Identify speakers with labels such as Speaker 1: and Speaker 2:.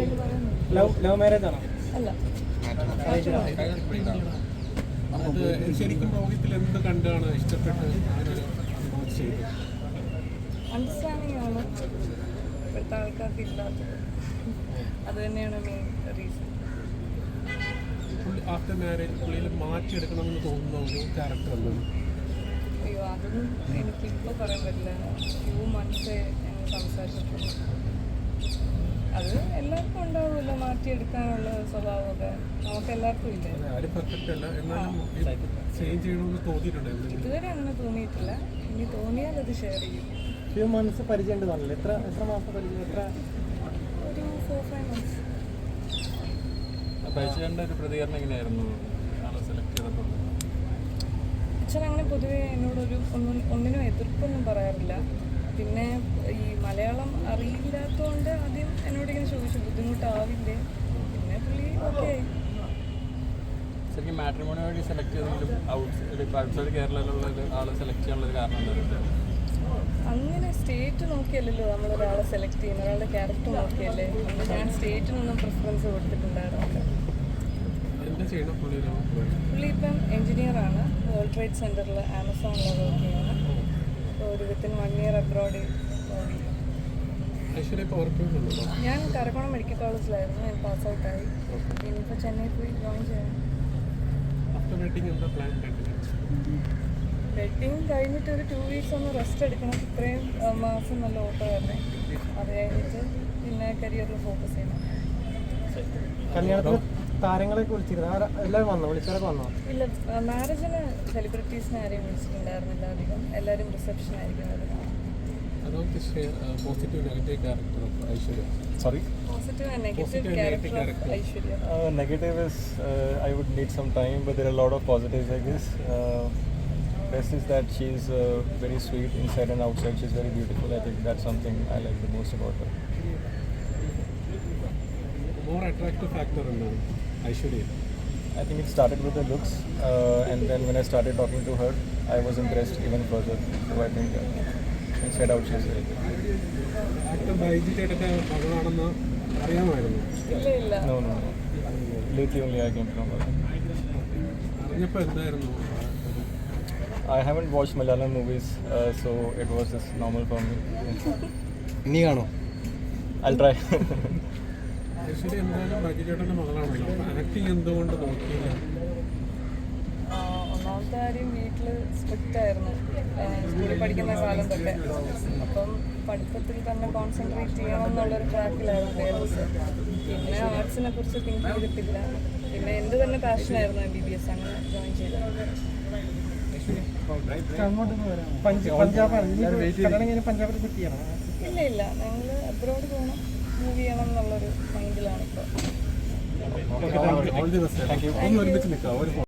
Speaker 1: Love marriage ആണോ?
Speaker 2: അല്ല.
Speaker 3: അത് ശരിക്കും രോഹിത്തിൽ എന്ത് കണ്ടാണ് ഇഷ്ടപ്പെട്ട്
Speaker 2: അണ്ടർസ്റ്റാൻഡിങ് ആണ് ഇപ്പോഴത്തെ ആൾക്കാർക്ക് ഇല്ലാത്തത്. അത് തന്നെയാണ് മെയിൻ റീസൺ.
Speaker 3: ആഫ്റ്റർ മാരേജ് പുള്ളിയിൽ മാറ്റിയെടുക്കണമെന്ന് തോന്നുന്ന ഒരു ക്യാരക്ടർ എന്താണ്?
Speaker 2: അയ്യോ, അതൊന്നും എനിക്കിപ്പോൾ പറയാൻ പറ്റില്ല. ഫ്യൂ മന്ത്സേ ഞങ്ങൾ സംസാരിച്ചിട്ടുള്ളൂ. അത് എല്ലാവർക്കും ഉണ്ടാവുമല്ലോ മാറ്റിയെടുക്കാനുള്ള സ്വഭാവമൊക്കെ, നമുക്ക് എല്ലാവർക്കും ഇല്ലേ. ഇതുവരെ അങ്ങനെ തോന്നിയിട്ടില്ല. ഇനി തോന്നിയാൽ അത് ഷെയർ ചെയ്യും.
Speaker 1: ഫ്യൂ മന്ത്സ് പരിചയം ഉണ്ടെന്നല്ലേ? എത്ര മാസം പരിചയം?
Speaker 2: ഒരു 4-5 months.
Speaker 4: ഒരു പ്രതികരണം എങ്ങനെയായിരുന്നു ആളെ സെലക്ട് ചെയ്തപ്പോൾ?
Speaker 2: അച്ഛൻ അങ്ങനെ പൊതുവേ എന്നോടൊരു ഒന്നിനും എതിർപ്പൊന്നും പറയാറില്ല. പിന്നെ ഈ മലയാളം അറിയില്ലാത്തതുകൊണ്ട് ആദ്യം എന്നോടിങ്ങനെ ചോദിച്ചു ബുദ്ധിമുട്ടാവില്ലേ. പിന്നെ പുള്ളി ഓക്കെ.
Speaker 4: ശരിക്കും മാട്രിമോണി വഴി സെലക്ട് ചെയ്തെങ്കിലും ഔട്ട്സൈഡ് കേരളയിലുള്ള ആളെ സെലക്ട് ചെയ്യാനുള്ളൊരു കാരണം എന്തായിരുന്നു?
Speaker 2: അങ്ങനെ സ്റ്റേറ്റ് നോക്കിയല്ലല്ലോ നമ്മളൊരാളെ സെലക്ട് ചെയ്യുന്ന, ഒരാളുടെ ക്യാരക്ടർ നോക്കിയല്ലേ. ഞാൻ സ്റ്റേറ്റിനൊന്നും പ്രിഫറൻസ് കൊടുത്തിട്ടുണ്ടായിരുന്നില്ല. പുള്ളി ഇപ്പം എൻജിനീയറാണ്. വേൾഡ് ട്രേഡ് സെൻറ്ററിൽ ആമസോണിൽ വർക്ക് ചെയ്യുന്നത്. ഒരു വിത്തിൻ 1 year അബ്രോഡ് പോയി. ഞാൻ കരക്കോണം മെഡിക്കൽ കോളേജിലായിരുന്നു. ഞാൻ പാസ് ഔട്ടായി. ഇനിയിപ്പോൾ ചെന്നൈ പോയി ജോയിൻ ചെയ്യണം. വെഡിങ് കഴിഞ്ഞിട്ട് ഒരു 2 weeks ഒന്ന് റെസ്റ്റ് എടുക്കണം. ഇത്രയും മാസം നല്ല ഓട്ടമായിരുന്നേ. അത് കഴിഞ്ഞിട്ട് പിന്നെ കരിയറിൽ ഫോക്കസ് ചെയ്യണം.
Speaker 1: കല്യാണത്തിന് താരങ്ങളൊക്കെ വിളിച്ചിരുന്നു? എല്ലാവരും വന്നോ? വിളിച്ചവരൊക്കെ വന്നോ?
Speaker 2: ഇല്ല, മാരേജിന് സെലിബ്രിറ്റീസിനെ ആരെയും വിളിച്ചിട്ടുണ്ടായിരുന്നില്ല. അധികം എല്ലാവരും റിസപ്ഷൻ ആയിരിക്കും വരുന്നത്.
Speaker 3: Positive negative character of Aishwarya.
Speaker 4: Sorry?
Speaker 2: Positive and negative character of Aishwarya.
Speaker 4: Negative is I would need some time, but there are a lot of positives, I guess. Best is that she's very sweet inside and outside. She's very beautiful. I think that's something I like the most about her.
Speaker 3: More attractive factor in Aishwarya?
Speaker 4: I think it started with the looks, and then when I started talking to her, I was impressed even further. So I think inside out she's very good. No. Lately only I came from her. I haven't watched Malayalam movies, so it was just normal for me. I'll try.
Speaker 2: ഒന്നാമത്തെ കാര്യം വീട്ടിൽ strict ആയിരുന്നു സ്കൂളിൽ പഠിക്കുന്ന കാലം തൊട്ട്. അപ്പം പഠിത്തത്തിൽ തന്നെ കോൺസെൻട്രേറ്റ് ചെയ്യണം എന്നുള്ളൊരു ട്രാക്കിലായിരുന്നു പേരൻസ്. പിന്നെ ആർട്സിനെ കുറിച്ച് തിങ്ക് ചെയ്തിട്ടില്ല. പിന്നെ എൻ്റെ തന്നെ പാഷനായിരുന്നു MBBS. അങ്ങനെ ജോയിൻ ചെയ്തത്. ഇല്ല, ഞങ്ങൾ അബ്രോഡ് പോകണം, മൂവ് ചെയ്യണം എന്നുള്ളൊരു മൈൻഡിലാണ് ഇപ്പോൾ.